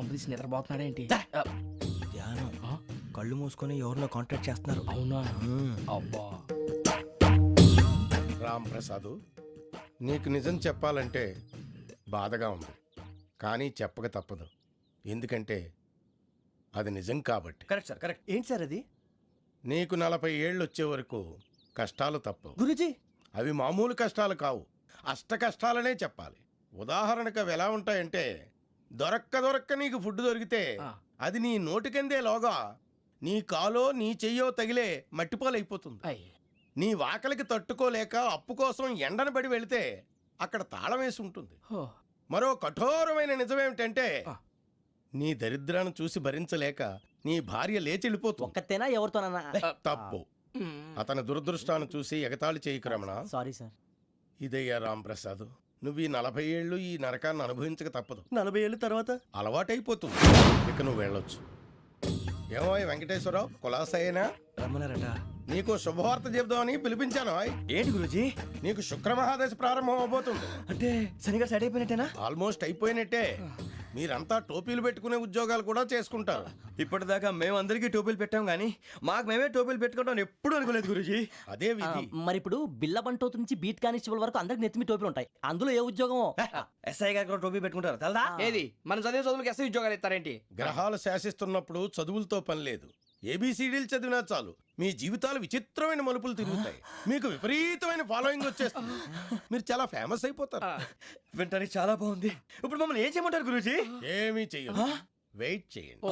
కొంపదీసి నిద్రపోతున్నాడేంటి? ధ్యానం కళ్ళు మూసుకొని ఎవరినో కాంటాక్ట్ చేస్తున్నారు. అవునా? అబ్బా రామ్ ప్రసాద్, నీకు నిజం చెప్పాలంటే బాధగా ఉంది, కానీ చెప్పక తప్పదు. ఎందుకంటే అది నిజం కాబట్టి. Correct sir, correct. ఏంటి సార్ అది? నీకు 40 ఏళ్ళు వచ్చే వరకు కష్టాలు తప్పవు. గురూజీ, అవి మామూలు కష్టాలు కావు, అష్ట కష్టాలనే చెప్పాలి. ఉదాహరణకు అవి ఎలా ఉంటాయంటే, దొరక్క నీకు ఫుడ్ దొరికితే అది నీ నోటికందే లోగా నీ కాలో నీ చెయ్యో తగిలే మట్టిపాలైపోతుంది. నీ వాకలికి తట్టుకోలేక అప్పు కోసం ఎండను పడి వెళితే అక్కడ తాళం వేసి ఉంటుంది. మరో కఠోరమైన నిజమేమిటంటే, నీ దరిద్రాన్ని చూసి భరించలేక నీ భార్య లేచి వెళ్ళిపోతుంది. ఒక్కతేనా ఎవరితోనన్నా? తప్పు. అతని దురదృష్టాన్ని చూసి ఎగతాళి చేయకు రమణ. Sorry sir. ఇదయ్యా రాంప్రసాద్, నువ్వు ఈ 40 ఏళ్ళు ఈ నరకాన్ని అనుభవించక తప్పదు. 40 ఏళ్ళ తర్వాత అలవాటైపోతుంది. ఇక నువ్వు వెళ్ళొచ్చు. ఏమో వెంకటేశ్వరరావు, కులాసైనా రమ్మన్నారట. నీకు శుభవార్త చెబుదామని పిలిపించాను. ఏంటి గురూజీ? నీకు శుక్రమహాదశ ప్రారంభం అవబోతుంది. అంటే శనిగా సెట్ అయిపోయినట్టేనా? ఆల్మోస్ట్ అయిపోయినట్టే. మీరంతా టోపీలు పెట్టుకునే ఉద్యోగాలు కూడా చేసుకుంటారు. ఇప్పటిదాకా మేమందరికీ టోపీలు పెట్టాం కానీ మాకు మేమే టోపీలు పెట్టుకుంటాం ఎప్పుడు అనుకోలేదు గురూజీ. అదే విధి. మరి ఇప్పుడు బిల్ల బంటోతు నుంచి బీట్ కానిస్టేబుల్ వరకు అందరికి నెత్తిమి టోపీలు ఉంటాయి. అందులో ఏ ఉద్యోగం? ఎస్ఐ గారు కూడా టోపీ పెట్టుకుంటారు తెలదా? ఏది మన చదువులకు ఎస్ఐ ఉద్యోగాలు ఇస్తారేంటి? గ్రహాలు శాసిస్తున్నప్పుడు చదువులతో పని లేదు. ఏబిసిడీలు చదివినా చాలు మీ జీవితాలు విచిత్రమైన మలుపులు తిరుగుతాయి. మీకు విపరీతమైన ఫాలోయింగ్ వచ్చేస్తుంది. మీరు చాలా ఫేమస్ అయిపోతారు. వింటానికి చాలా బాగుంది. ఇప్పుడు మమ్మల్ని ఏం చేయమంటారు గురూజీ? ఏమీ చెయ్యదు, వెయిట్ చేయండి.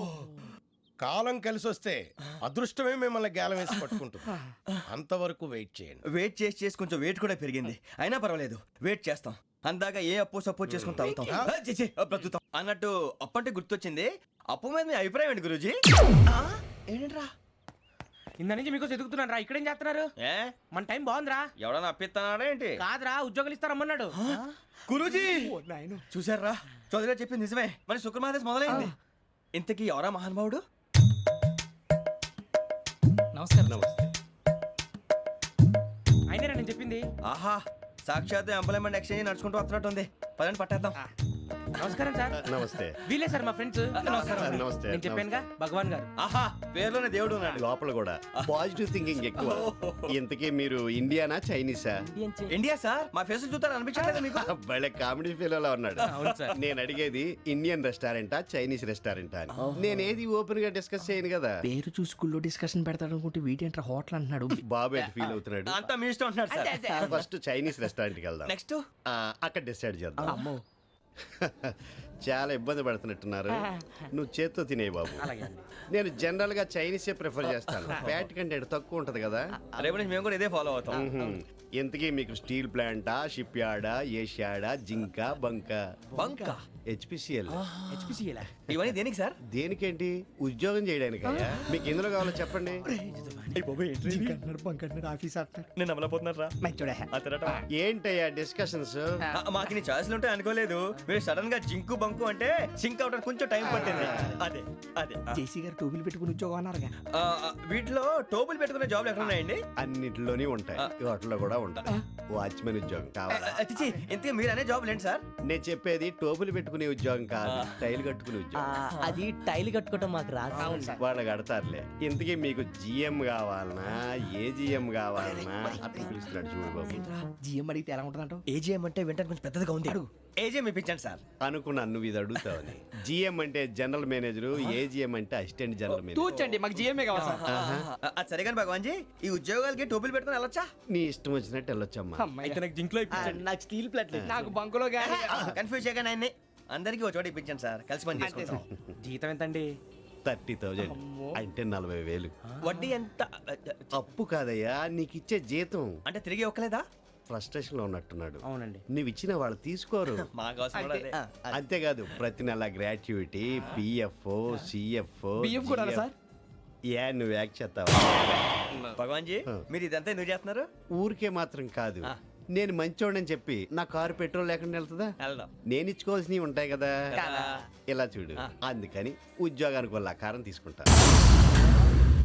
కాలం కలిసి వస్తే అదృష్టమే మిమ్మల్ని గేలం వేసి పట్టుకుంటుంది. అంతవరకు వెయిట్ చేయండి. వెయిట్ చేసి కొంచెం వెయిట్ కూడా పెరిగింది. అయినా పర్వాలేదు, వెయిట్ చేస్తాం. అందాక ఏ అప్పు సపోర్ట్ చేసుకుని తాగుతాం, బ్రతుకుతాం అన్నట్టు. అప్పు అంటే గుర్తొచ్చింది. అప్పు మీద మీ అభిప్రాయం ఏంటి గురూజీ? ఏంటరా ఇంత నుంచి మీకు ఎదుగుతున్నాను రా. ఇక్కడేం చేస్తున్నారు? మన టైం బాగుందిరా. ఎవడన్నా అప్పిస్తున్నాడా ఏంటి? కాదురా, ఉద్యోగాలు ఇస్తారమ్మన్నాడు గురూజీ. చూసారా, చౌదరిగా చెప్పింది నిజమే. మరి శుక్రమాదేశ్ మొదలైంది. ఇంతకీ ఎవరా మహానుభావుడు? నమస్కారం. అయినా నేను చెప్పింది. ఆహా, సాక్షాత్ ఎంప్లాయ్మెంట్ ఎక్స్చేంజ్ నడుచుకుంటూ వస్తున్నట్టు ఉంది. పదండి పట్టేద్దాం. నమస్కారం సార్. నమస్తే. వీలే సార్ మా ఫ్రెండ్స్. నమస్తే. నేను చెప్పానుగా, భగవాన్ గారు. ఆహా, పేరులోనే దేవుడు ఉన్నాడు. లోపల కూడా పాజిటివ్ థింకింగ్ ఎక్కువ. ఇంతకీ మీరు ఇండియానా చైనీసా? India sir. మా ఫేస్ చూస్తారు అనిపించలేదు మీకు? భలే కామెడీ ఫీల్ అలా ఉన్నాడు. అవును సార్. నేను అడిగేది ఇండియన్ రెస్టారెంటా చైనీస్ రెస్టారెంటా అని. నేనేది ఓపెన్ గా డిస్కస్ చేయను కదా. పేరు చూసి స్కూల్లో డిస్కషన్ పెడతాడు అనుకుంటే వీటేంట్రా హోటల్ అంటున్నాడు. బాబు ఎట్ ఫీల్ అవుతున్నాడు. అంతా మీ ఇష్టం ఉంటున్నాడు సార్. ఫస్ట్ చైనీస్ రెస్టారెంట్ కి వెళ్దాం. నెక్స్ట్ అక్కడ డిసైడ్ చేద్దాం. చాలా ఇబ్బంది పడుతున్నట్టున్నారు. నువ్వు చేత్తో తినే బాబు. నేను జనరల్ గా చైనీసే ప్రిఫర్ చేస్తాను. ఫ్యాట్ కంటెంట్ తక్కువ ఉంటది కదా. రేపు నుంచి మేము కూడా ఇదే ఫాలో అవుతాం. ఇంతకీ మీకు స్టీల్ ప్లాంటా, షిప్ యార్డా, ఏషియాడా, జింక, బంక, హెచ్పిసిఎల్. ఇవన్నీ దేనికి సార్? దేనికేంటి? ఉద్యోగం చేయడానికి. మీకు ఎందులో కావాలో చెప్పండి. నేను అమలపోతున్నారా? ఏంటయ్యా డిస్కషన్స్? మాకు నీ ఛాయిస్లు ఉంటాయి అనుకోలేదు. మీరు సడన్ గా జింకు బంకు అంటే సింక్ అవడానికి కొంచెం టైం పట్టింది. అదే అదే జేసీ గారు టోపీలు పెట్టుకుని ఉద్యోగం అన్నారుగా. వీటిలో టోపులు పెట్టుకునే జాబ్లు ఎక్కడ ఉన్నాయండి? అన్నిటిలోనే ఉంటాయి, వాటిలో కూడా ఉంటాయి. వాచ్మెన్ ఉద్యోగం కావాలా? ఇంతకీ మీరు అనే జాబ్ ఏంటి సార్? నేను చెప్పేది టోపులు పెట్టుకునే ఉద్యోగం కాదు, టైల్ కట్టుకునే ఉద్యోగం. అది టైల్ కట్టుకోవటం మాకు రాదు. వాళ్ళు కడతారులే. ఇంతకీ మీకు జిఎం కావాలనా, ఏ జిఎం కావాలనా? అట్లా పిలుస్తున్నాడు చూడు బాబు. జిఎం అడిగితే ఎలా ఉంటుందంట? ఏజీఎం అంటే వెంటనే కొంచెం పెద్దదిగా ఉంది. ఏజీఎం ఇప్పించండి సార్. అనుకున్నాను నువ్వు ఇది అడుగుతావని. జిఎం అంటే జనరల్ మేనేజర్, ఏజిఎం అంటే అసిస్టెంట్ జనరల్ మేనేజర్. తూచండి, మాకు జిఎంఏ కావాలి సార్. అది సరే కానీ భగవాన్ జీ, ఈ ఉద్యోగాలకి టోపులు పెట్టుకుని వెళ్ళొచ్చా? నీ ఇష్టం వచ్చినట్టు వెళ్ళొచ్చమ్మా. అయితే నాకు జింక్ లో నాకు స్టీల్ ప్లేట్. నాకు బంకులో గానీ. కన్ఫ్యూజ్ చేయగానే ఆయన్ని అందరికీ ఒక చోట ఇప్పించండి సార్. కలిసి పని చేసుకుంటాం. జీతం ఎంతండి? 30,000 అంటే 40,000. వడ్డీ ఎంత? అప్పు కాదయ్యా, నీకు ఇచ్చే జీతం. అంటే తిరిగి ఒక్కలేదా? ఫ్రస్ట్రేషన్ లో ఉన్నట్టున్నాడు. అవునండి. నువ్వు ఇచ్చిన వాళ్ళు తీసుకోరు. మాకు అవసరం కూడా అదే. అంతేకాదు ప్రతి నెల గ్రాట్యుటీ, పిఎఫ్, సిఎఫ్. బియ్యం కూడా సార్? ఏ నువ్వు యాక్ట్ చేస్తావా? భగవాన్ జీ, మీరు ఇదంతా ఎందుకు చేస్తున్నారు? ఊరికే మాత్రం కాదు, నేను మంచోడని చెప్పి నా కారు పెట్రోల్ లేకుండా వెళ్తుందా? వెళ్దాం. నేను ఇచ్చుకోవాల్సినవి ఉంటాయి కదా. ఇలా చూడు, అందుకని ఉద్యోగానికి వాళ్ళ ఆకారం తీసుకుంటా.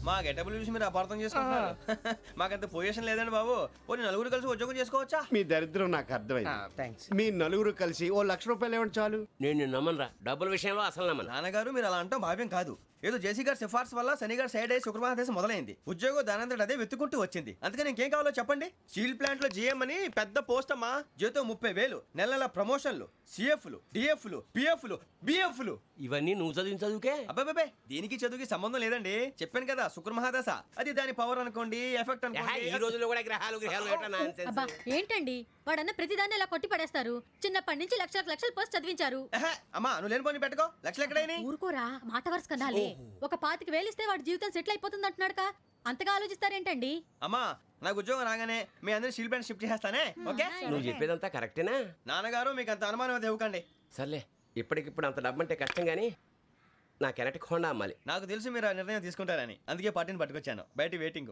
మా గెటబుల్ చూసి మీరు అపార్థం చేసుకుంటున్నారు. మాకంత పొజిషన్ లేదండి బాబు. పోనీ నలుగురు కలిసి ఉద్యోగం చేసుకోవచ్చా? మీ దరిద్రం నాకు అర్థమైంది. థ్యాంక్స్. మీ నలుగురు కలిసి ₹1,00,000 ఇవ్వండి చాలు. నేను నమ్మనరా, డబ్బుల విషయంలో అసలు నమ్మను. నాన్నగారు మీరు అలా అంటాం భావ్యం కాదు. ఏదో జేసీ గారి సిఫార్సు వల్ల శని గారు సైడ్ అయ్యి శుక్రవారం మొదలైంది. ఉద్యోగం దానంతటి అదే వెతుకుంటూ వచ్చింది. అందుకని ఇంకేం కావాలో చెప్పండి. స్టీల్ ప్లాంట్ లో జీఎం అని పెద్ద పోస్ట్ అమ్మా. జీతం 30,000, నెల నెల ప్రమోషన్లు, సిఎఫ్లు, డిఎఫ్లు, పిఎఫ్లు, బిఎఫ్లు. ఇవన్నీ నువ్వు చదివిన చదువుకే. అబ్బాబే దీనికి చదువుకి సంబంధం లేదండి. చెప్పాను కదా శుక్ర మహాదశ. అది దాని పవర్ అనుకోండి, ఎఫెక్ట్ ఈ అనుకోండి. రోజుల్లో కూడా గ్రహాలు ఏటా nonsense? అబ్బా ఏంటండి వాడన్న ప్రతిదాన్ని ఇలా కొట్టి పడేస్తారు. చిన్నప్పటి నుంచి లక్షల పోస్ట్ చదివించారు. అమ్మా నువ్వు లేని పోనీ పెట్టుకో. లక్షలు ఎక్కడైనా ఊరుకోరా, మాట వరుస కదాలే. ఒక 25,000 ఇస్తే వాడి జీవితం సెటిల్ అయిపోతుంది అంటున్నాడుగా. అంతగా ఆలోచిస్తారేంటండి? అమ్మా నాకు ఉద్యోగం రాగానే మీ అందరి స్టీల్ ప్లాంట్ షిఫ్ట్ చేస్తానే. ఓకే నువ్వు చెప్పేదంతా కరెక్టేనా? నాన్నగారు మీకు అంత అనుమానం అయితే ఇవ్వకండి. సర్లే, ఇప్పటికిప్పుడు అంత డబ్బు అంటే కష్టం కానీ నా కెనటిక్ హోండా అమ్మాలి. నాకు తెలుసు మీరు ఆ నిర్ణయం తీసుకుంటారని, అందుకే పార్టీని పట్టుకొచ్చాను. బయట వెయిటింగ్.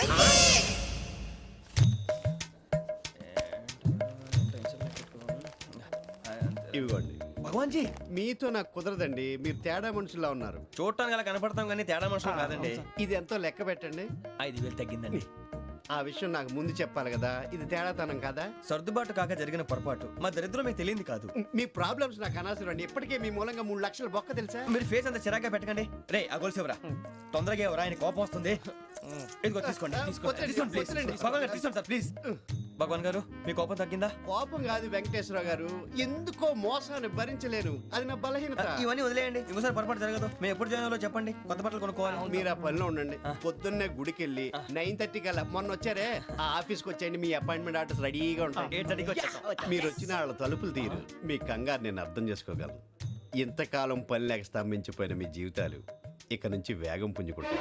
ఇవ్వండి. భగవాన్ జీ మీతో నాకు కుదరదండి. మీరు తేడా మనుషుల్లా ఉన్నారు. చూడటానికి అలా కనపడతాం కానీ తేడా మనుషులు కాదండి. ఇది ఎంతో లెక్క పెట్టండి. 5,000 తగ్గిందండి. ఆ విషయం నాకు ముందు చెప్పాలి కదా. ఇది తేడాతనం కదా. సర్దుబాటు కాక జరిగిన పొరపాటు. మా దరిద్రం మీకు తెలియదు కాదు. మీ ప్రాబ్లమ్స్ నాకు అనవసరం అండి. ఇప్పటికే మీ మూలంగా 3 లక్షల బొక్క తెలుసా. మీరు ఫేస్ అంత చిరాగ్గా పెట్టకండి. రే ఆ గొలుసేవరా తొందరగా ఎవరా, ఆయన కోపం వస్తుంది. ఇదిగో తీసుకోండి. తీసుకోండి ప్లీజ్. భగవాన్ గారు తీసుకోండి సార్ ప్లీజ్. భగవాన్ గారు మీ కోపం తగ్గిందా? కోపం కాదు వెంకటేశ్వర గారు, ఎందుకో మోసాన్ని భరించలేను. అది నా బలహీనత. ఇవన్నీ వదిలేయండి. ఇంకోసారి పొరపాటు జరగదు. మేము ఎప్పుడు జాయిన్ అవ్వాలో చెప్పండి. కొత్త బట్టలు కొనుక్కోవాలి. మీరు ఆ పనిలో ఉండండి. పొద్దున్నే గుడికి వెళ్ళి 9:30 కల్లా మొన్న వచ్చారే ఆ ఆఫీస్కి వచ్చేయండి. మీ అపాయింట్మెంట్ ఆర్డర్స్ రెడీగా ఉంటాయి. 8:30కి వచ్చేస్తాం. మీరు వచ్చిన వాళ్ళ తలుపులు తీరు. మీ కంగారు నేను అర్థం చేసుకోగలను. ఇంతకాలం పని లేక స్తంభించిపోయిన మీ జీవితాలు ఇక నుంచి వేగం పుంజుకుంటాయి.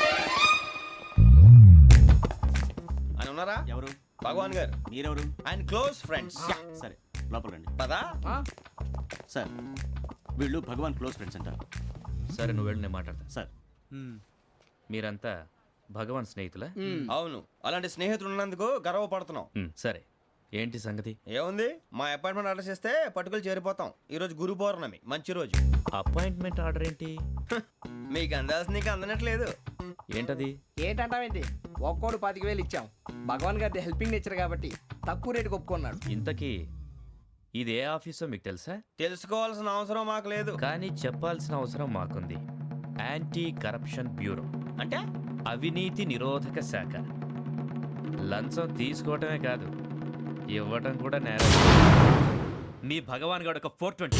ఆయన ఉన్నారా? ఎవరు? భగవాన్ గారు. మీరెవరు? ఆయన క్లోజ్ ఫ్రెండ్స్. సరే లోపల రండి. పదా సార్ వీళ్ళు భగవాన్ క్లోజ్ ఫ్రెండ్స్ అంటారు. సరే నువ్వు వెళ్ళి నేను మాట్లాడతా. సార్ మీరంతా భగవాన్ స్నేహితులా? అవును, అలాంటి స్నేహితులు ఉన్నందుకు గర్వపడుతున్నాం. సరే ఏంటి సంగతి? ఏముంది, మా అపాయింట్మెంట్ ఆర్డర్ చేస్తే పట్టుకులు చేరిపోతాం. ఈ రోజు గురు పౌర్ణమి, మంచి రోజు. అపాయింట్మెంట్ ఆర్డర్ ఏంటి? మీకు అందాల్సిన నీకు అందనట్లేదు. ఏంటది? ఏంటంటావేంటి? ఒక్కోడు 25,000 ఇచ్చాం. భగవాన్ గారి హెల్పింగ్ నేచర్ కాబట్టి తక్కువ రేటుకి ఒప్పుకున్నాడు. ఇంతకీ ఇది ఏ ఆఫీసో మీకు తెలుసా? తెలుసుకోవాల్సిన అవసరం మాకు లేదు. కానీ చెప్పాల్సిన అవసరం మాకుంది. యాంటీ కరప్షన్ బ్యూరో అంటే అవినీతి నిరోధక శాఖ. లంచం తీసుకోవటమే కాదు, ఇవ్వటం కూడా నేరం. మీ భగవాన్ గారు ఒక 420.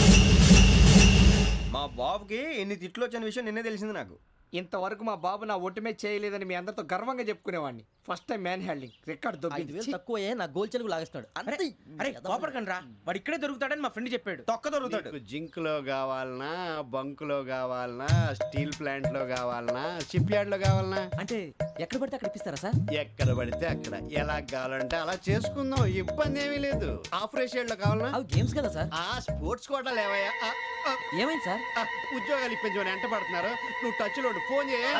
మా బాబుకి ఎన్ని తిట్లు వచ్చిన విషయం నిన్నే తెలిసింది నాకు. ఇంతవరకు మా బాబు నా ఒట్టుమే చేయలేదని మీ అందరితో గర్వంగా చెప్పుకునేవాడిని. First time man handing record 5,000 తక్కువ నా గోల్ చెలుగు లాగేస్తున్నాడు. అరే కోపడకండి రా, వాడు ఇక్కడే దొరుకుతాడని మా ఫ్రెండ్ చెప్పాడు. తొక్క దొరుకుతాడు. మీకు జింక్ లో కావాలనా, బంక్ లో కావాలనా, స్టీల్ ప్లాంట్ లో కావాలనా, షిప్ యార్డ్ లో కావాలనా? అంటే ఎక్కడ పడితే అక్కడ ఇప్పిస్తారా సార్? ఎక్కడ పడితే అక్కడ ఎలా కావాలంటే అలా చేసుకుందాం. ఇబ్బంది ఏమీ లేదు. ఆపరేషన్ లో కావాలనా? అవి గేమ్స్ కదా సార్. ఆ స్పోర్ట్స్ కోటా లేవయ్యా. ఏమైంది సార్? ఉద్యోగాలు ఇప్పించమని ఎంట పడుతున్నారు. నువ్వు టచ్ లో ఫోన్ చేయ.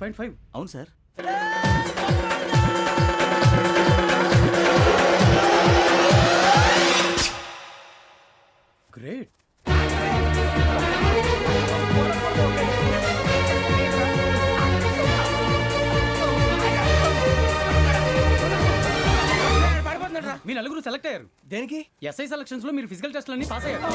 1.5 అవును సార్. గ్రేట్. మీ నలుగురు సెలెక్ట్ అయ్యారు. దేనికి? ఎస్ఐ సెలక్షన్స్ లో మీరు ఫిజికల్ టెస్ట్ అన్ని పాస్ అయ్యారు.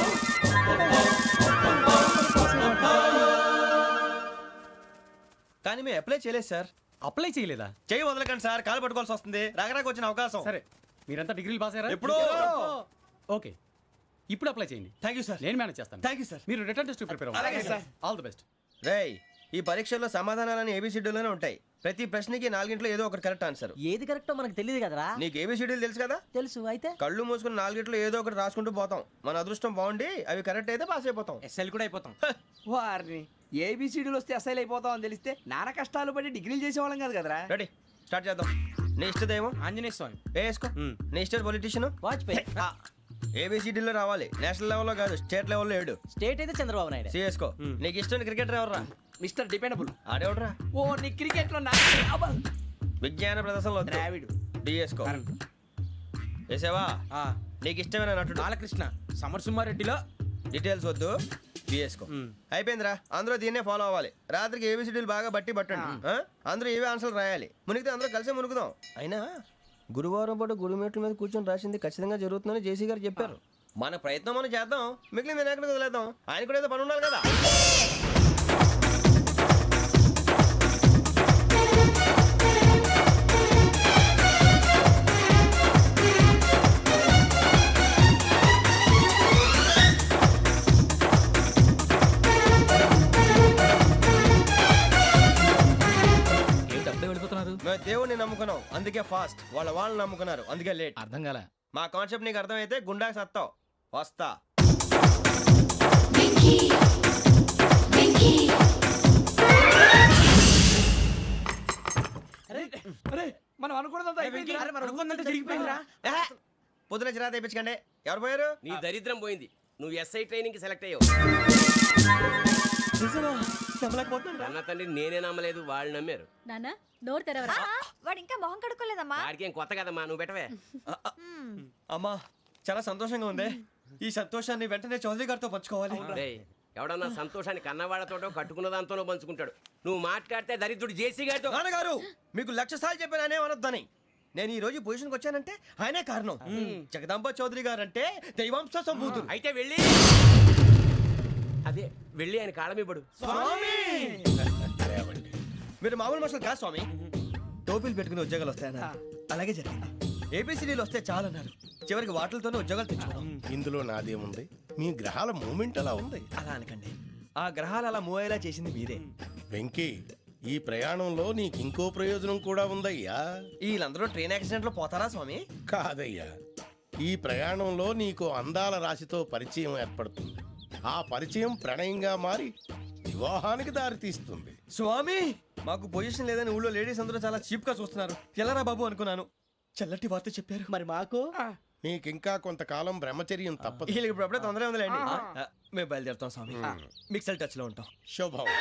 కానీ మేము అప్లై చేయలేదు సార్. అప్లై చేయలేదా? చేయి వదలకండి సార్, కాలు పట్టుకోవాల్సి వస్తుంది. రాగరాకు వచ్చిన అవకాశం. సరే, మీరంతా డిగ్రీలు పాస్ అయ్యారా? ఎప్పుడో. ఓకే, ఇప్పుడు అప్లై చేయండి. Thank you sir. నేను మేనేజ్ చేస్తాను. Thank you sir. మీరు రిటర్న్ టెస్ట్ ప్రిపేర్ అలాగే అవ్వండి. సార్. All the best. రేయ్, ఈ పరీక్షల్లో సమాధానాలని ఏబిసిడీలోనే ఉంటాయి. ప్రతి ప్రశ్నకి 4 ఏదో ఒకటి కరెక్ట్ ఆన్సర్. ఏది కరెక్టో మనకు తెలియదు కదరా. నీకు ఏబిసిడీలు తెలుసు కదా? తెలుసు. అయితే కళ్ళు మూసుకుని 4 ఏదో ఒకటి రాసుకుంటూ పోతాం. మన అదృష్టం బాగుండి అవి కరెక్ట్ అయితే పాస్ అయిపోతాం. ఎస్ఎల్ కూడా అయిపోతాం. వారిని ఏబిసిడీలు వస్తే ఎస్ఐలు అయిపోతాం అని తెలిస్తే నాన్న కష్టాలు పడి డిగ్రీలు చేసేవాళ్ళం కాదు కదరా. రెడీ, స్టార్ట్ చేద్దాం. నీ ఇష్టదేమో ఆంజనేయ స్వామి. వేసుకో. నీ ఇష్ట పొలిటీషియన్ వాజ్పేయి. ఏబిసిడీలో రావాలి. నేషనల్ లెవెల్లో కాదు, స్టేట్ లెవెల్లో 7. స్టేట్ అయితే చంద్రబాబు నాయుడు. సిఎస్కో. నీకు ఇష్టం క్రికెటర్ ఎవర్రా? Mister dependable. ఆడేవడరా? ఓ నీ క్రికెట్ లో విజ్ఞాన ప్రదర్శనలో ద్రావిడు. డిఎస్కో. వేసావా? నీకు ఇష్టమైన నటుడు? బాలకృష్ణ. సమర్ సుమారెడ్డిలో డీటెయిల్స్ వద్దు, బిఎస్కో. అయిపోయిందిరా. అందరూ దీన్నే ఫాలో అవ్వాలి. రాత్రికి ఏబిసిడీలు బాగా బట్టి పట్టండి. అందరూ ఏవే ఆన్సర్లు రాయాలి. మునిగితే అందరూ కలిసి మునుగుదాం. అయినా గురువారం పాటు గురుమేట్ల మీద కూర్చొని రాసింది ఖచ్చితంగా జరుగుతుందని జేసీ గారు చెప్పారు. మన ప్రయత్నం మనం చేద్దాం, మిగిలింది నేను ఎక్కడికి వదిలేద్దాం. ఆయన కూడా ఏదో పని ఉండాలి కదా. మేము దేవుడిని నమ్ముకున్నాం, అందుకే ఫాస్ట్. వాళ్ళని నమ్ముకున్నారు, అందుకే లేట్. అర్థం కాల. మా కాన్సెప్ట్ నీకు అర్థమైతే గుండాకి సత్తావు. వస్తా. మనం అనుకున్నదంతా జరిగిపోయిందిరా. పొద్దున చిరా తెప్పించకండి. ఎవరు పోయారు? నీ దరిద్రం పోయింది. నువ్వు ఎస్ఐ ట్రైనింగ్ సెలెక్ట్ అయ్యావు. అన్న తండ్రి నేనే నమ్మలేదు, వాళ్ళు నమ్మారు. నాన్న నోరు తెరవరా. వాడు ఇంకా మొహం కడుక్కోలేదమ్మా. వాడికి ఏం కొత్త కదమ్మా, నువ్వు పెట్టవే. అమ్మా, చాలా సంతోషంగా ఉంది. ఈ సంతోషాన్ని వెంటనే చౌదరి గారితో పంచుకోవాలి. డేయ్, ఎవడన్నా సంతోషాన్ని కన్నవాళ్లతోటో కట్టుకున్న దాంతోనో పంచుకుంటాడు. నువ్వు మాట్లాడితే దరిద్రుడు జేసీ గారితో. నాన్నగారు, మీకు 1,00,000 సార్లు చెప్పానే అనొద్దని. నేను ఈ రోజు పొజిషన్కి వచ్చానంటే ఆయనే కారణం. జగదాంబ చౌదరి గారు అంటే దైవాంశ సంభూతుడు. అయితే వెళ్ళి అదే వెళ్ళి ఆయన కాళ్ళమివ్వడు. మీరు మామూలు మనుషులు కాదు స్వామి. టోపీలు పెట్టుకుని ఉద్యోగాలు వస్తాయన్నారు, అలాగే జరిగింది. ఏబిసిడీలు వస్తే చాలన్నారు, చివరికి వాటిలతోనే ఉద్యోగాలు తెచ్చుకున్నాం. ఇందులో నాదేముంది? మీ గ్రహాల మూమెంట్ అలా ఉంది. అలా అనకండి, ఆ గ్రహాలు అలా మూవ్ అయ్యేలా చేసింది మీరే. వెంకీ, ఈ ప్రయాణంలో నీకు ఇంకో ప్రయోజనం కూడా ఉందయ్యా. వీళ్ళందరూ ట్రైన్ యాక్సిడెంట్ లో పోతారా స్వామి? కాదయ్యా, ఈ ప్రయాణంలో నీకు అందాల రాశితో పరిచయం ఏర్పడుతుంది. ఆ పరిచయం ప్రణయంగా మారి వివాహానికి దారితీస్తుంది. స్వామి, మాకు పొజిషన్ లేదని ఊళ్ళో లేడీస్ అందరూ చాలా చీప్ గా చూస్తున్నారు. ఎలారా బాబు అనుకున్నాను. చల్లటి వార్త చెప్పారు. మరి మాకు నీకింకా కొంతకాలం బ్రహ్మచర్యం తప్పదు. వీళ్ళకి ఇప్పుడు అప్పుడే తొందరగా ఉందిలేండి. మేము బయలుదేరుతాం స్వామి. మిక్సల్ టచ్ లో ఉంటాం. శుభం.